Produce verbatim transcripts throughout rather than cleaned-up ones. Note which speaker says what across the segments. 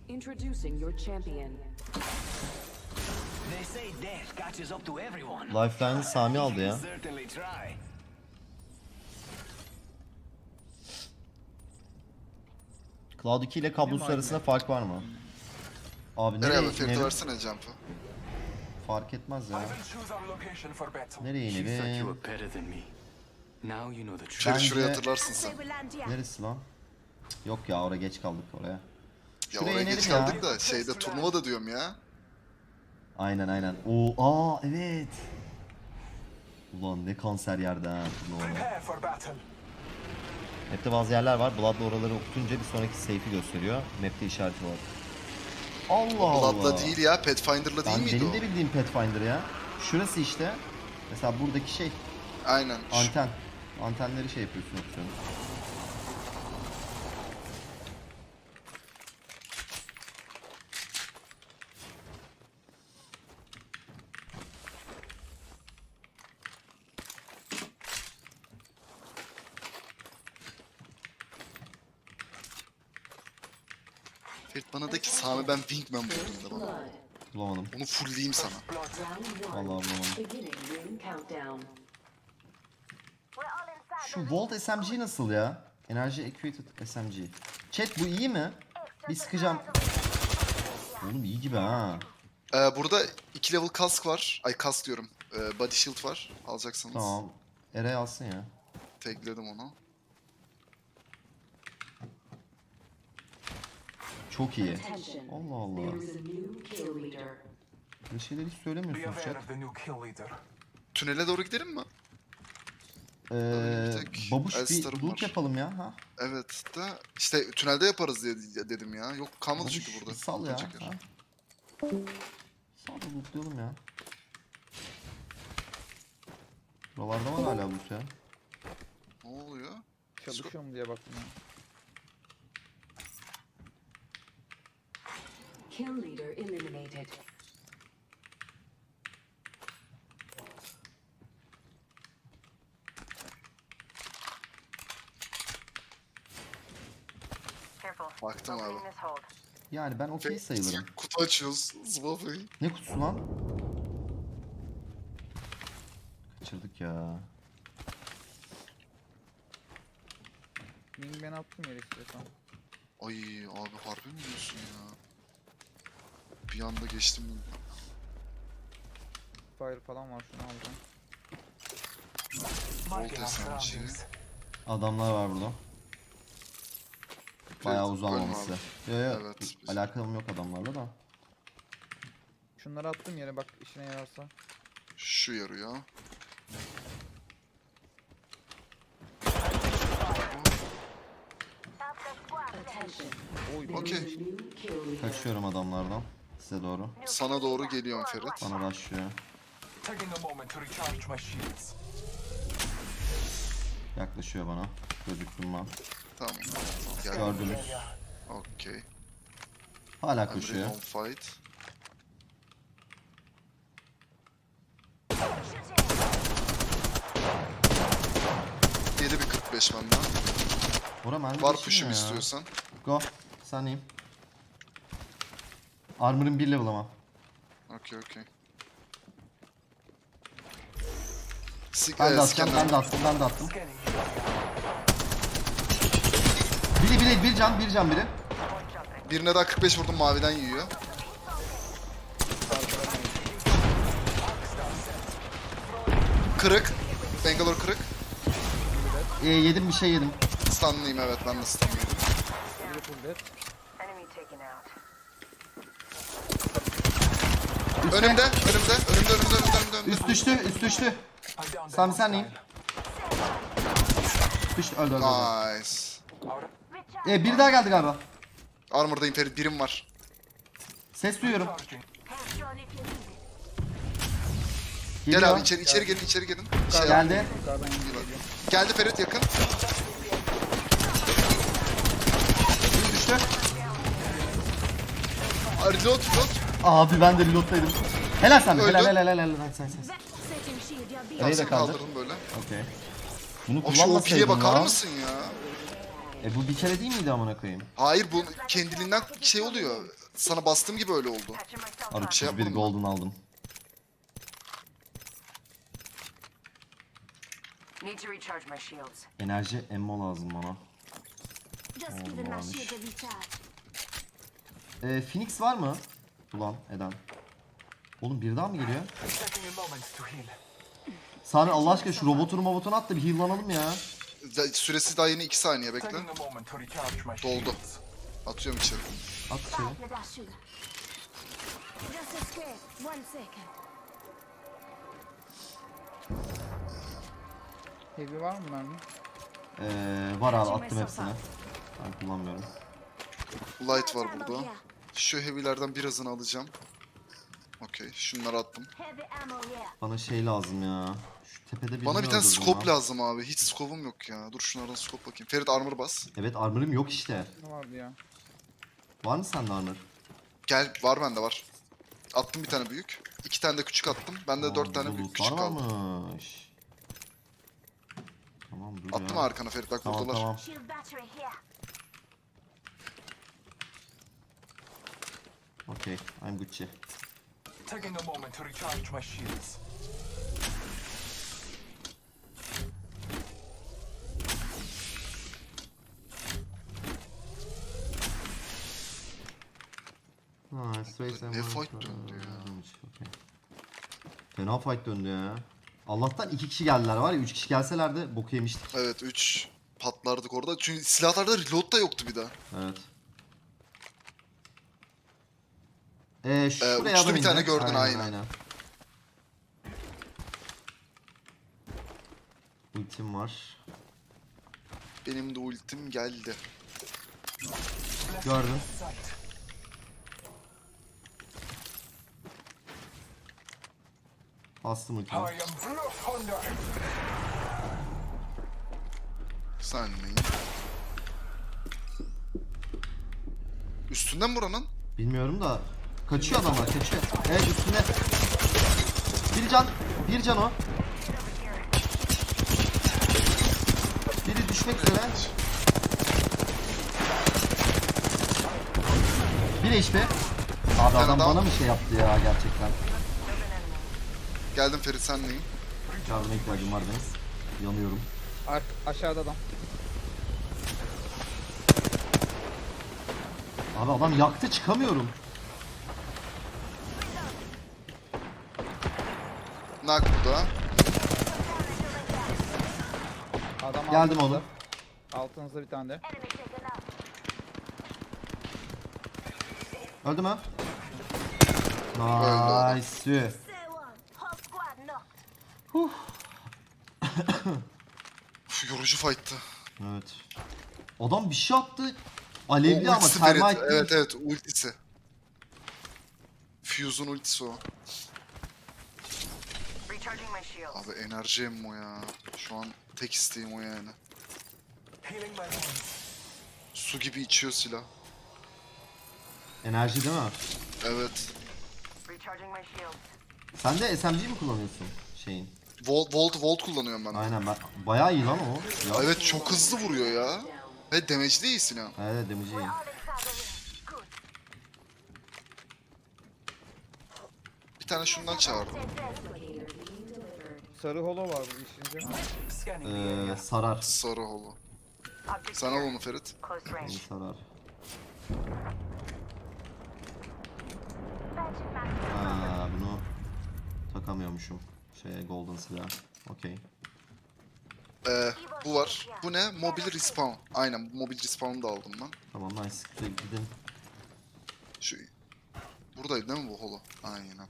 Speaker 1: Introducing your champion.
Speaker 2: They say death catches up to everyone.
Speaker 3: Lifeline'ı Sami aldı ya.
Speaker 2: Certainly try.
Speaker 3: Cloud iki ile kablosuz arasında fark var mı? Abi
Speaker 4: Nereye
Speaker 3: nereye
Speaker 4: abi? Ferit'e
Speaker 3: inelim?
Speaker 4: versene jump'ı.
Speaker 3: Fark etmez ya.
Speaker 5: I will choose our location for battle.
Speaker 3: Nereye
Speaker 6: You thought you
Speaker 3: inelim?
Speaker 6: were better than me. Now you know the truth.
Speaker 4: Ferit
Speaker 3: Bence-
Speaker 4: şuraya hatırlarsın sen.
Speaker 3: Neresi lan? Yok ya, oraya geç kaldık oraya.
Speaker 4: Ya
Speaker 3: Şuraya
Speaker 4: oraya geç
Speaker 3: inelim ya.
Speaker 4: kaldık da şeyde turnuva da diyorum ya.
Speaker 3: Aynen aynen. Oo, aa evet. Ulan ne kanser yerde ha. Ulan.
Speaker 5: Prepare for battle.
Speaker 3: Map'te bazı yerler var. Blood'la oraları okutunca bir sonraki safe'i gösteriyor. Map'te işareti var. Allah Allah.
Speaker 4: Blood'la değil ya, Pathfinder'la değil
Speaker 3: Ben
Speaker 4: miydi
Speaker 3: benim
Speaker 4: o?
Speaker 3: de bildiğim Pathfinder ya. Şurası işte. Mesela buradaki şey.
Speaker 4: Aynen. Şu-
Speaker 3: Anten. Antenleri şey yapıyorsun, okuyorsun.
Speaker 4: Ferit bana de ki Sami ben Wingman buldum da bana.
Speaker 3: Bulamadım.
Speaker 4: Onu fullleyeyim sana.
Speaker 1: Round one.
Speaker 3: Vallahi bulamadım.
Speaker 1: Beginning ring countdown.
Speaker 3: Şu Volt S M G nasıl ya? Energy Equated S M G. Chat bu iyi mi? Bir sıkacağım. Oğlum iyi gibi ha.
Speaker 4: Ee, burada iki level kask var. Ay kask diyorum. Ee, body shield var. Alacaksanız.
Speaker 3: Tamam. Eray alsın ya.
Speaker 4: Tagledim onu.
Speaker 3: Çok iyi.
Speaker 1: Attention.
Speaker 3: Allah Allah.
Speaker 1: There is a new kill leader.
Speaker 3: Böyle şeyler hiç
Speaker 5: Be
Speaker 3: söylemiyorsunuz
Speaker 5: aware
Speaker 3: chat.
Speaker 5: of the new kill leader.
Speaker 4: Tünele doğru gidelim mi?
Speaker 3: Ee,
Speaker 4: bir tek
Speaker 3: babuş bir
Speaker 4: Elstar'ım
Speaker 3: loot
Speaker 4: var.
Speaker 3: yapalım ya. Ha?
Speaker 4: Evet de işte tünelde yaparız diye dedim ya. Yok kalmadı
Speaker 3: Babuş
Speaker 4: çünkü burada.
Speaker 3: bir sal ya.
Speaker 4: Çeker.
Speaker 3: Ha? Sal da lootlayalım ya. Buralarda var hala loot ya.
Speaker 4: Ne oluyor?
Speaker 7: Çalışıyorum diye baktım ya.
Speaker 1: Kill leader eliminated.
Speaker 4: Baktım abi.
Speaker 3: Yani ben okey sayılırım.
Speaker 4: Kutu açıyoruz. Zıbafayı.
Speaker 3: Ne kutusu lan? Kaçırdık ya.
Speaker 7: Wing ben attım yere istiyorsan.
Speaker 4: Ay abi harbi mi diyorsun ya? Bir anda geçtim.
Speaker 7: Fire falan var, şunu alacağım.
Speaker 5: Marking
Speaker 4: Volt
Speaker 5: our
Speaker 4: S M G.
Speaker 5: surroundings.
Speaker 3: Adamlar var burada. Bayağı
Speaker 4: Ferit,
Speaker 3: uzanmaması.
Speaker 4: ölme
Speaker 3: Yo yo,
Speaker 4: Evet.
Speaker 3: alakalım yok adamlarla da.
Speaker 7: Şunları attım yere, bak işine yararsa.
Speaker 4: Şu yarıyor.
Speaker 1: Attention.
Speaker 7: Oy,
Speaker 1: There
Speaker 4: Okay.
Speaker 1: is a new kill leader.
Speaker 3: Kaçıyorum adamlardan. Size doğru.
Speaker 4: Sana doğru geliyorum Ferit.
Speaker 3: Bana başlıyor.
Speaker 5: Taking a moment to recharge my shields.
Speaker 3: Yaklaşıyor bana. Gözüktüm ben.
Speaker 4: Tamam. Gel.
Speaker 3: Gördünüz.
Speaker 4: Okey.
Speaker 3: Hala
Speaker 4: I'm ready
Speaker 3: koşuyor.
Speaker 4: on fight. Yedi bir kırk beş benden.
Speaker 3: Bora mermi
Speaker 4: Var
Speaker 3: geçirmiyor
Speaker 4: push'um
Speaker 3: ya.
Speaker 4: istiyorsan.
Speaker 3: Go. Sen iyiyim. Armor'ın bir level ama.
Speaker 4: Okey okey. Sik
Speaker 3: Ben de
Speaker 4: e,
Speaker 3: atacağım,
Speaker 4: scanner.
Speaker 3: ben de attım, ben de attım.
Speaker 5: Scanning.
Speaker 3: Biri biri bir can, bir can biri.
Speaker 4: Birine daha kırk beş vurdum, maviden yiyor. Kırık. Bangalore kırık.
Speaker 3: Ee, yedim bir şey yedim.
Speaker 4: Stunlıyım evet, ben de stunlıyım.
Speaker 7: biri full dead.
Speaker 4: Önümde, önümde, önümde, önümde, önümde, önümde, önümde.
Speaker 3: Üst düştü, üst düştü.
Speaker 5: I downed the
Speaker 3: Sami sen neyim?
Speaker 5: hostile.
Speaker 3: Düştü, öldü öldü. öldü.
Speaker 4: Nice.
Speaker 3: Ee, bir daha geldi galiba.
Speaker 4: Armor'dayım Ferit, birim var.
Speaker 3: Ses duyuyorum.
Speaker 5: Charging.
Speaker 3: Geliyor.
Speaker 4: Gel abi içeri, içeri gelin, içeri gelin. Şey yap.
Speaker 3: Geldi.
Speaker 7: Yukarıdan geliyor.
Speaker 4: Geldi Ferit yakın.
Speaker 3: Bir düştü.
Speaker 4: Aa, Reload, reload.
Speaker 3: Abi ben de reload'daydım. Helal sen.
Speaker 4: Öldü.
Speaker 3: Helal helal helal helal. Sen sen.
Speaker 4: Tamam
Speaker 3: Nereye de
Speaker 4: seni
Speaker 3: kaldır.
Speaker 4: kaldırdım böyle.
Speaker 3: Okey. Bunu
Speaker 4: O şu O P'ye
Speaker 3: kullanmasaydın
Speaker 4: bakar
Speaker 3: lan.
Speaker 4: mısın ya?
Speaker 3: E bu bir kere değil miydi amına koyayım?
Speaker 4: Hayır bu kendiliğinden şey oluyor. sana bastığım gibi öyle oldu.
Speaker 3: Abi
Speaker 4: Şey
Speaker 3: kırk bir
Speaker 4: yapmadım mı?
Speaker 3: golden aldım.
Speaker 1: Need to recharge my shields.
Speaker 3: Enerji ammo lazım bana.
Speaker 8: Just
Speaker 3: Oh,
Speaker 8: giving my
Speaker 3: varmış.
Speaker 8: shield a recharge.
Speaker 3: Ee, Phoenix var mı? Ulan Eden. Oğlum bir daha mı geliyor?
Speaker 5: Taking a moment to heal.
Speaker 3: Sami Allah aşkına şu robotunu robotunu at da bir heal'lanalım ya.
Speaker 4: Da- Süresi daha yeni iki saniye bekle.
Speaker 5: Taking a moment to recharge my
Speaker 4: Doldu.
Speaker 5: shields.
Speaker 4: Atıyorum içeri.
Speaker 3: At içeri.
Speaker 8: Five with that sugar. Just a scrape. One second.
Speaker 7: Heavy var mı mermi?
Speaker 3: Ee, var abi attım hepsini. Ben kullanmıyorum.
Speaker 4: Light var
Speaker 8: Ammo
Speaker 4: burada.
Speaker 8: here.
Speaker 4: Şu heavy'lerden birazını alacağım. Okey. Şunları attım.
Speaker 8: Heavy ammo here.
Speaker 3: Bana şey lazım ya. Şu tepede birini
Speaker 4: Bana bir tane
Speaker 3: öldürdüm
Speaker 4: scope
Speaker 3: ya.
Speaker 4: lazım abi. Hiç scope'um yok ya. Dur şunlardan scope bakayım. Ferit armor bas.
Speaker 3: Evet armor'ım yok işte.
Speaker 7: Ne vardı ya?
Speaker 3: Var mı sende armor?
Speaker 4: Gel var bende var. Attım bir tane büyük. İki tane de küçük attım. Bende
Speaker 3: Aa,
Speaker 4: dört tane
Speaker 3: burada
Speaker 4: büyük
Speaker 3: lootlar
Speaker 4: küçük kaldı.
Speaker 3: varmış. Tamam dur
Speaker 4: Attım
Speaker 3: ya.
Speaker 4: arkana Ferit bak
Speaker 3: Tamam
Speaker 4: buradalar.
Speaker 3: tamam.
Speaker 8: Shield battery here.
Speaker 3: Okay, I'm Gucci.
Speaker 5: Taking a moment to recharge my shields.
Speaker 3: Ha, Space
Speaker 4: Ne
Speaker 3: and
Speaker 4: fight
Speaker 3: War-
Speaker 4: döndü ya?
Speaker 3: Okay. Fena fight döndü ya. Allah'tan iki kişi geldiler var ya, üç kişi gelselerdi boku yemiştik.
Speaker 4: Evet üç patlardık orada. Çünkü silahlarda reload da yoktu bir daha.
Speaker 3: Evet. Ee, şuraya
Speaker 4: uçtu
Speaker 3: adam
Speaker 4: bir tane
Speaker 3: indi.
Speaker 4: gördün, aynen.
Speaker 3: aynen. Ultim var.
Speaker 4: Benim de ultim geldi.
Speaker 3: Gördüm.
Speaker 5: Sight.
Speaker 3: Bastım ultimi.
Speaker 5: I am Blood Hunter.
Speaker 4: Sen neyin? Üstünden buranın.
Speaker 3: Bilmiyorum da kaçıyor adamlar, kaçıyor. Evet üstünde. Bir can, bir can o. Biri düşmek üzere. Bir H P. Abi
Speaker 4: tane
Speaker 3: adam
Speaker 4: daha.
Speaker 3: bana mı şey yaptı ya gerçekten?
Speaker 4: Geldim Ferit sen neyin?
Speaker 3: Yardıma ihtiyacım var benim. Yanıyorum.
Speaker 7: Ar aşağıda adam.
Speaker 3: Abi adam yaktı, çıkamıyorum.
Speaker 4: Nak burada.
Speaker 7: Adam
Speaker 3: Geldim
Speaker 7: altınızda.
Speaker 3: oğlum.
Speaker 7: Altınızda bir tane de.
Speaker 8: Enemy taken out.
Speaker 3: Öldü mü?
Speaker 4: Öldü.
Speaker 3: Nice.
Speaker 8: Say one. Whole squad knocked.
Speaker 4: Uf, yorucu fight'tı.
Speaker 3: Evet. Adam bir şey attı. Alevli
Speaker 4: O
Speaker 3: ama
Speaker 4: ultisi Ferit.
Speaker 3: termite.
Speaker 4: Evet evet ultisi. Fuse'un ultisi o.
Speaker 1: Recharging my shields.
Speaker 4: Abi enerji emmo ya. Şu an tek isteğim o yani.
Speaker 5: Healing my wounds.
Speaker 4: Su gibi içiyor silah.
Speaker 3: Enerji değil mi?
Speaker 4: Evet.
Speaker 1: Recharging my shields.
Speaker 3: Sen de S M G mi kullanıyorsun şeyin?
Speaker 4: Volt, volt, volt kullanıyorum ben. de.
Speaker 3: Aynen ben. Bayağı iyi lan o. Ya.
Speaker 4: Evet çok hızlı vuruyor ya. Ve damage değil silah.
Speaker 3: Evet damage'i iyi.
Speaker 8: All inside the ring. Good.
Speaker 4: Bir tane şundan çağırdım.
Speaker 8: Take this.
Speaker 1: Locator being delivered.
Speaker 7: Sarı holo var bu işince.
Speaker 5: Scanning the
Speaker 3: Ee,
Speaker 5: area.
Speaker 3: sarar.
Speaker 4: Sarı holo.
Speaker 1: Object
Speaker 4: Sen al
Speaker 1: here.
Speaker 4: onu Ferit.
Speaker 1: Close
Speaker 3: Beni
Speaker 1: range.
Speaker 3: sarar.
Speaker 8: Magic mask.
Speaker 3: Ha, bunu takamıyormuşum. Şey golden silah. Okey.
Speaker 4: Ee, bu var. Bu ne? Mobil respawn. Aynen bu mobil respawn'u da aldım ben.
Speaker 3: Tamam nice. Güzel, gidin.
Speaker 4: Şu buradaydı değil mi bu holo? Aynen.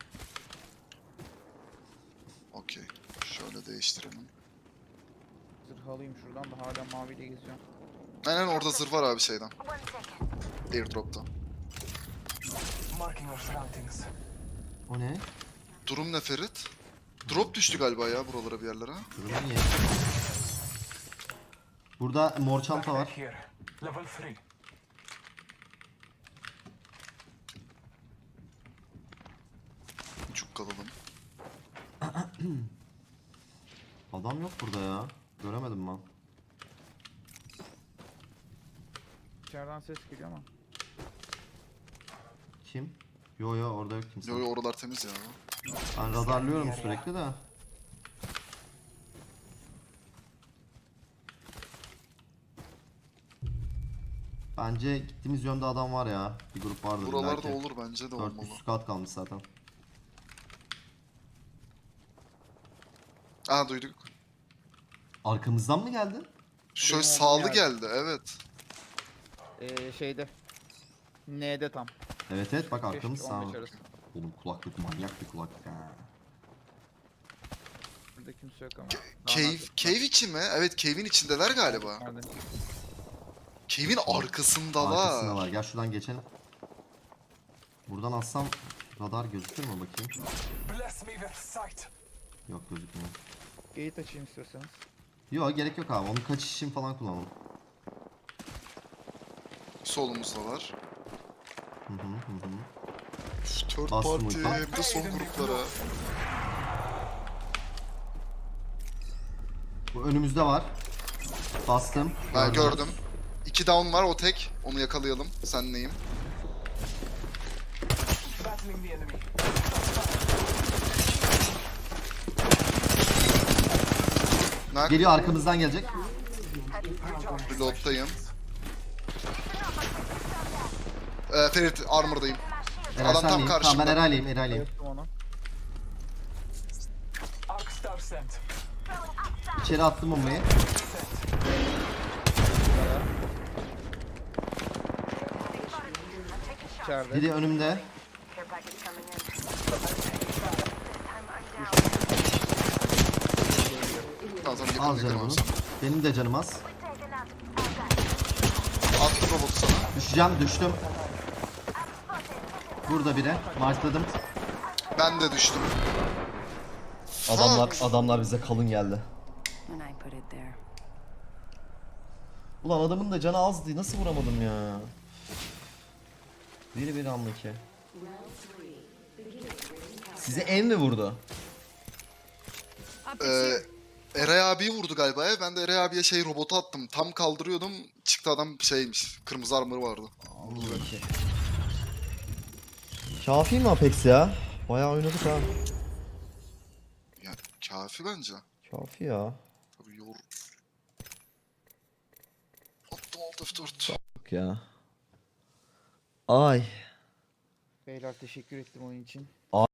Speaker 4: Okey. Şöyle değiştirelim.
Speaker 7: Zırh alayım şuradan da hala maviyle geziyorum.
Speaker 4: Aynen orada zırh var abi şeyden.
Speaker 8: One second.
Speaker 4: Airdrop'ta.
Speaker 5: Marking our surroundings.
Speaker 3: O ne?
Speaker 4: Durum ne Ferit? Drop düştü galiba ya buralara bir yerlere.
Speaker 3: Durum iyi. Burada mor çanta
Speaker 5: Backpack
Speaker 3: var.
Speaker 5: here. Level three.
Speaker 4: Çok kalalım.
Speaker 3: Adam yok burada ya. Göremedim ben.
Speaker 7: İçeriden ses geliyor ama.
Speaker 3: Bakayım. Yo yo orada yok kimse.
Speaker 4: Yo yo oralar temiz ya.
Speaker 3: Ben radarlıyorum sürekli de. Bence gittiğimiz yönde adam var ya. Bir grup vardır
Speaker 4: Buralarda
Speaker 3: belki.
Speaker 4: olur bence de
Speaker 3: Dört
Speaker 4: olmalı.
Speaker 3: üst kat kalmış zaten.
Speaker 4: Aa duyduk.
Speaker 3: Arkamızdan mı geldi?
Speaker 4: Şöyle
Speaker 7: Benim
Speaker 4: sağlı
Speaker 7: olduğum
Speaker 4: geldi evet.
Speaker 7: Ee, şeyde. N'de tam.
Speaker 3: Evet evet bak arkamız
Speaker 7: Keşke
Speaker 3: sağ.
Speaker 7: on beş arası.
Speaker 3: Oğlum kulaklık manyak bir kulaklık ha.
Speaker 7: Burada kimse yok ama.
Speaker 4: Cave, cave içi mi? Evet cave'in içindeler galiba.
Speaker 7: Nerede?
Speaker 4: Cave'in arkasındalar.
Speaker 3: Arkasındalar. Gel şuradan geçelim. Buradan atsam radar gözükür mü bakayım?
Speaker 5: Bless me with sight.
Speaker 3: Yok gözükmüyor.
Speaker 7: Gate açayım istiyorsanız.
Speaker 3: Yok gerek yok abi. Onu kaçış için falan kullanalım.
Speaker 4: Solumuzdalar.
Speaker 3: Hı hı hı hı.
Speaker 4: Üf, Third
Speaker 3: Bastım
Speaker 4: party
Speaker 3: ulti.
Speaker 4: hem de son gruplara.
Speaker 3: Bu önümüzde var. Bastım.
Speaker 4: Ben gördüm. İki down var o tek. Onu yakalayalım. Sen neyim?
Speaker 5: Battling the enemy.
Speaker 4: Nak.
Speaker 3: Geliyor arkamızdan gelecek.
Speaker 4: Reload'dayım. Ee, Ferit armor'dayım.
Speaker 3: Eray
Speaker 4: Adam
Speaker 3: sen
Speaker 4: tam
Speaker 3: miyim? Tamam
Speaker 4: karşımda.
Speaker 3: ben Eraylıyım Eraylıyım.
Speaker 7: Yaptım onu.
Speaker 5: Arc star sent.
Speaker 3: İçeri attım bombayı.
Speaker 7: İçeride.
Speaker 3: Biri önümde.
Speaker 1: Care package coming in. This time I'm down.
Speaker 4: Tamam tamam
Speaker 3: Al
Speaker 4: yakın
Speaker 3: canım
Speaker 4: yakın
Speaker 3: onu.
Speaker 4: olsun.
Speaker 3: Benim de canım az.
Speaker 4: Attım robotu sana.
Speaker 3: Düşeceğim düştüm. Burada biri. Markladım.
Speaker 4: Ben de düştüm.
Speaker 3: Adamlar
Speaker 4: Fuck.
Speaker 3: adamlar bize kalın geldi.
Speaker 8: When I put it there.
Speaker 3: Ulan adamın da canı azdı. Nasıl vuramadım ya? Biri biri andaki. Size en mi vurdu?
Speaker 4: Ee, Eray abiyi vurdu galiba ya. Ben de Eray abiye şey robotu attım. Tam kaldırıyordum. Çıktı adam şeymiş. Kırmızı armor vardı.
Speaker 3: Kafi mi Apex ya? Bayağı oynadık ha.
Speaker 4: Yani kafi bence.
Speaker 3: Kafi ya.
Speaker 4: Tabii yor. Attım alt F dört.
Speaker 3: Bak ya. Ay.
Speaker 7: Beyler teşekkür ettim oyun için.